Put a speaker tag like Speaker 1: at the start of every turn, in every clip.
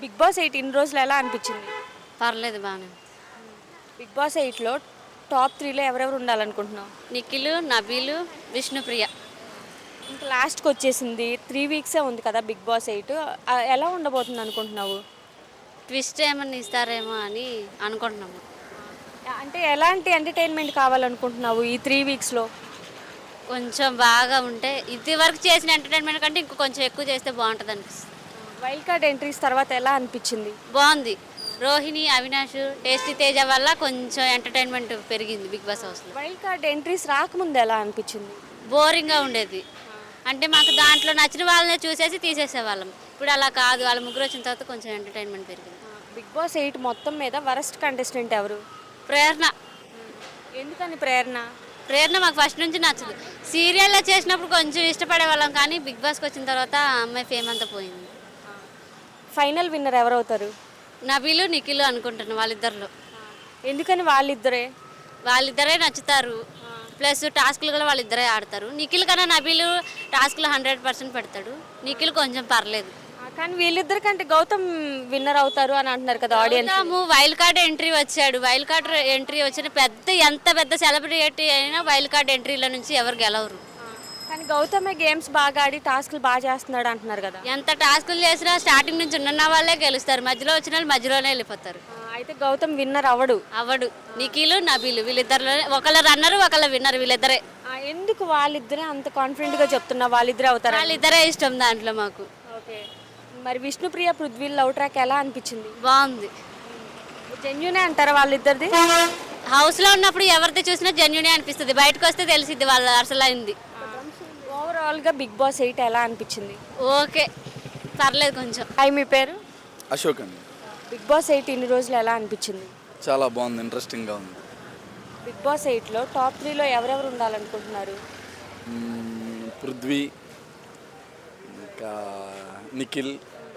Speaker 1: Big boss 8 ఇన్ని రోజులు ఎలా అనిపించింది?
Speaker 2: పర్లేదు బాగానే.
Speaker 1: బిగ్ బాస్ 8లో టాప్ 3లో ఎవరెవరు ఉండాలనుకుంటున్నావు?
Speaker 2: నిఖిలు, నబీలు, విష్ణుప్రియ.
Speaker 1: ఇంకా లాస్ట్కి వచ్చేసింది 3 వీక్సే ఉంది కదా బిగ్ బాస్ 8 ఎలా ఉండబోతుంది అనుకుంటున్నావు?
Speaker 2: ట్విస్ట్ ఏమన్నా ఇస్తారేమో అని అనుకుంటున్నాము.
Speaker 1: అంటే ఎలాంటి ఎంటర్టైన్మెంట్ కావాలనుకుంటున్నావు ఈ 3 వీక్స్లో?
Speaker 2: కొంచెం బాగా ఉంటే ఇది వరకు చేసిన ఎంటర్టైన్మెంట్ కంటే ఇంకో కొంచెం ఎక్కువ చేస్తే బాగుంటుంది అనిపిస్తుంది.
Speaker 1: వైల్డ్ కార్డ్ ఎంట్రీస్ తర్వాత ఎలా అనిపించింది?
Speaker 2: బాగుంది. రోహిణి, అవినాష్, టేస్టీ తేజ వల్ల కొంచెం ఎంటర్టైన్మెంట్ పెరిగింది బిగ్ బాస్ హౌస్లో.
Speaker 1: వైల్డ్ కార్డ్ ఎంట్రీస్ రాకముందు ఎలా అనిపించింది?
Speaker 2: బోరింగ్గా ఉండేది. అంటే మాకు దాంట్లో నచ్చిన వాళ్ళనే చూసేసి తీసేసేవాళ్ళం. ఇప్పుడు అలా కాదు, వాళ్ళ ముగ్గురు వచ్చిన తర్వాత కొంచెం ఎంటర్టైన్మెంట్ పెరిగింది.
Speaker 1: బిగ్ బాస్ 8 మొత్తం మీద వరస్ట్ కంటెస్టెంట్ ఎవరు?
Speaker 2: ప్రేరణ.
Speaker 1: ఎందుకని ప్రేరణ?
Speaker 2: ప్రేరణ మాకు ఫస్ట్ నుంచి నచ్చదు. సీరియల్లో చేసినప్పుడు కొంచెం ఇష్టపడే వాళ్ళం, కానీ బిగ్ బాస్కి వచ్చిన తర్వాత ఆ అమ్మాయి ఫేమ్ అంతా పోయింది.
Speaker 1: ఫైనల్ విన్నర్ ఎవరవుతారు?
Speaker 2: నబీలు, నిఖిలు అనుకుంటున్నాను వాళ్ళిద్దరిలో.
Speaker 1: ఎందుకని
Speaker 2: వాళ్ళిద్దరే నచ్చుతారు. ప్లస్ టాస్క్లు కూడా వాళ్ళిద్దరే ఆడతారు. నిఖిల్ కన్నా నబీలు టాస్క్లు 100% పెడతాడు. నిఖిల్ కొంచెం పర్లేదు.
Speaker 1: కానీ వీళ్ళిద్దరి కంటే గౌతమ్ విన్నర్ అవుతారు అని అంటున్నారు కదా ఆడియన్స్.
Speaker 2: వైల్డ్ కార్డ్ ఎంట్రీ వచ్చాడు. వైల్డ్ కార్డ్ ఎంట్రీ వచ్చిన ఎంత పెద్ద సెలబ్రిటీ అయినా వైల్డ్ కార్డ్ ఎంట్రీల నుంచి ఎవరు గెలవరు.
Speaker 1: కానీ గౌతమే గేమ్స్ బాగా ఆడి టాస్క్లు బాగా చేస్తున్నాడు అంటున్నారు కదా.
Speaker 2: ఎంత టాస్కులు చేసినా స్టార్టింగ్ నుంచి ఉన్న వాళ్ళే గెలుస్తారు. మధ్యలో వచ్చిన వాళ్ళు మధ్యలోనే వెళ్ళిపోతారు.
Speaker 1: అయితే గౌతమ్ విన్నర్
Speaker 2: అవడు. నిఖిలు, నబీలు వీళ్ళిద్దరిలోనే ఒకళ్ళ రన్నరు, ఒకళ్ళ విన్నర్ వీళ్ళిద్దరే.
Speaker 1: ఎందుకు వాళ్ళిద్దరే అంత కాన్ఫిడెంట్ గా చెప్తున్నా? వాళ్ళిద్దరే అవుతారు.
Speaker 2: వాళ్ళిద్దరే ఇష్టం దాంట్లో మాకు.
Speaker 1: ఓకే. మరి విష్ణుప్రియ పృథ్వీ లవ్ ట్రాక్ ఎలా అనిపించింది?
Speaker 2: బాగుంది.
Speaker 1: జెన్యునే అంటారా వాళ్ళిద్దరిది?
Speaker 2: హౌస్లో ఉన్నప్పుడు ఎవరిది చూసినా జెన్యునే అనిపిస్తుంది. బయటకు వస్తే తెలిసిద్ది వాళ్ళ అసలు అయింది.
Speaker 1: ఓవరాల్గా బిగ్ బాస్ 8 ఎలా అనిపించింది?
Speaker 2: ఓకే, పర్లేదు కొంచెం.
Speaker 1: మీ పేరు?
Speaker 3: అశోక్ అండి.
Speaker 1: బిగ్ బాస్ 8 ఇన్ని రోజులు ఎలా అనిపించింది?
Speaker 3: చాలా బాగుంది, ఇంట్రెస్టింగ్గా ఉంది.
Speaker 1: బిగ్ బాస్ 8లో టాప్ 3లో ఎవరెవరు ఉండాలనుకుంటున్నారు?
Speaker 3: పృథ్వీ, ఇంకా నిఖిల్,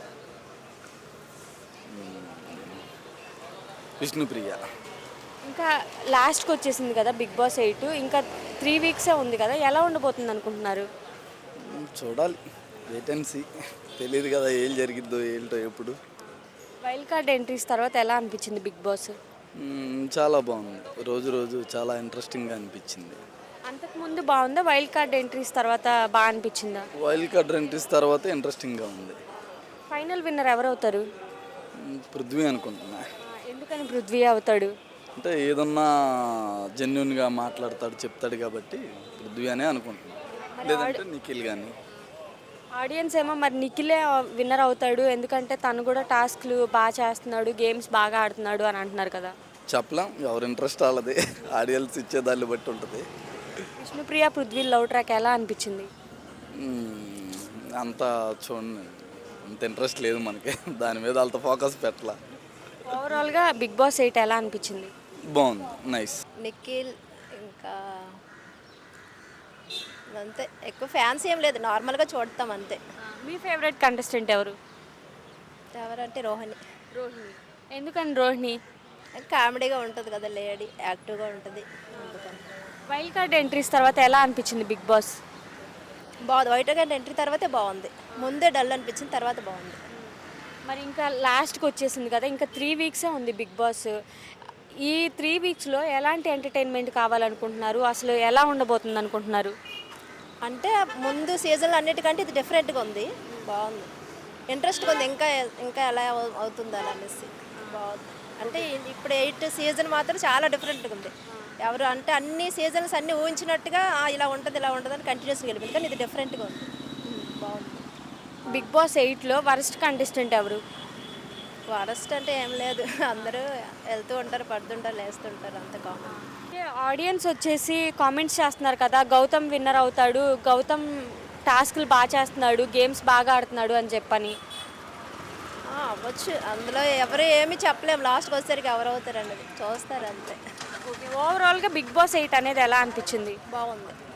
Speaker 3: విష్ణుప్రియ.
Speaker 1: ఇంకా లాస్ట్కి వచ్చేసింది కదా బిగ్ బాస్ 8 ఇంకా 3 వీక్సే ఉంది కదా, ఎలా ఉండబోతుంది అనుకుంటున్నారు?
Speaker 3: చూడాలి, వెయిట్ అండ్ సీ. తెలియదు కదా ఏం జరిగిద్దో ఏంటో ఎప్పుడు.
Speaker 1: వైల్డ్ కార్డ్ ఎంట్రీస్ తర్వాత ఎలా అనిపించింది బిగ్ బాస్?
Speaker 3: చాలా బాగుంది. రోజు రోజు చాలా ఇంట్రెస్టింగ్గా అనిపించింది.
Speaker 1: అంతకుముందు బాగుందా? వైల్డ్ కార్డ్ ఎంట్రీస్ తర్వాత బాగా అనిపించిందా?
Speaker 3: వైల్డ్ కార్డ్ ఎంట్రీస్ తర్వాత ఇంట్రెస్టింగ్గా ఉంది.
Speaker 1: Final winner ఎవరవుతారు?
Speaker 3: పృథ్వీ అనుకుంటున్నా.
Speaker 1: ఎందుకని పృథ్వీ అవుతాడు?
Speaker 3: అంటే ఏదన్నా జెన్యున్గా మాట్లాడతాడు, చెప్తాడు కాబట్టి పృథ్వీ అనే అనుకుంటున్నాను. లేదంటే నిఖిల్ కానీ.
Speaker 1: ఆడియన్స్ ఏమో మరి నిఖిలే విన్నర్ అవుతాడు ఎందుకంటే తను కూడా టాస్క్లు బాగా చేస్తున్నాడు, గేమ్స్ బాగా ఆడుతున్నాడు అని అంటున్నారు కదా.
Speaker 3: చెప్పలేం, ఎవరి ఇంట్రెస్ట్ వాళ్ళది. ఆడియన్స్ ఇచ్చే దాన్ని బట్టి ఉంటుంది.
Speaker 1: విష్ణుప్రియ పృథ్వీ లవ్ ట్రాక్ ఎలా అనిపించింది?
Speaker 3: అంత చూడండి, అంత ఇంట్రెస్ట్ లేదు మనకి. దాని మీద అంత ఫోకస్ పెట్టాల.
Speaker 1: ఓవరాల్గా బిగ్ బాస్ 8 ఎలా అనిపించింది?
Speaker 3: బాగుంది, నైస్.
Speaker 4: నిఖిల్ ఇంకా అంతే, ఎక్కువ ఫ్యాన్స్ ఏం లేదు, నార్మల్గా చూడతాం అంతే.
Speaker 1: మీ ఫేవరెట్ కంటెస్టెంట్ ఎవరు?
Speaker 4: ఎవరంటే రోహిణి.
Speaker 1: రోహిణి. ఎందుకని రోహిణి?
Speaker 4: కామెడీగా ఉంటుంది కదా, లేడీ యాక్టివ్గా ఉంటుంది అందుకని.
Speaker 1: వైల్డ్ కార్డ్ ఎంట్రీస్ తర్వాత ఎలా అనిపించింది బిగ్ బాస్?
Speaker 4: బాగుంది. వైట్ గంట ఎంట్రీ తర్వాతే బాగుంది. ముందే డల్ అనిపించింది, తర్వాత బాగుంది.
Speaker 1: మరి ఇంకా లాస్ట్కి వచ్చేసింది కదా, ఇంకా 3 వీక్సే ఉంది బిగ్ బాస్. ఈ 3 వీక్స్లో ఎలాంటి ఎంటర్టైన్మెంట్ కావాలనుకుంటున్నారు? అసలు ఎలా ఉండబోతుంది అనుకుంటున్నారు?
Speaker 4: అంటే ముందు సీజన్లో అన్నిటికంటే ఇది డిఫరెంట్గా ఉంది, బాగుంది, ఇంట్రెస్ట్గా ఉంది. ఇంకా ఇంకా ఎలా అవుతుంది అని అనేసి బాగుంది. అంటే ఇప్పుడు 8 సీజన్ మాత్రం చాలా డిఫరెంట్గా ఉంది. ఎవరు అంటే అన్ని సీజన్స్ అన్నీ ఊహించినట్టుగా ఇలా ఉంటుంది ఇలా ఉంటుంది అని కంటిన్యూస్గా వెళ్ళిపోయింది, కానీ ఇది డిఫరెంట్గా ఉంది, బాగుంది.
Speaker 1: బిగ్ బాస్ 8లో వరస్ట్ కంటెస్టెంట్ ఎవరు?
Speaker 4: వరస్ట్ అంటే ఏం లేదు, అందరూ వెళ్తూ ఉంటారు, పడుతుంటారు, లేస్తుంటారు, అంత కామన్.
Speaker 1: ఆడియన్స్ వచ్చేసి కామెంట్స్ చేస్తున్నారు కదా, గౌతమ్ విన్నర్ అవుతాడు, గౌతమ్ టాస్క్లు బాగా చేస్తున్నాడు, గేమ్స్ బాగా ఆడుతున్నాడు అని చెప్పని.
Speaker 4: అవ్వచ్చు, అందులో ఎవరు ఏమీ చెప్పలేము, లాస్ట్కి వచ్చేసరికి ఎవరు అవుతారు అన్నది చూస్తారు అంతే.
Speaker 1: ఓవరాల్గా బిగ్ బాస్ 8 అనేది ఎలా అనిపించింది?
Speaker 4: బాగుంది.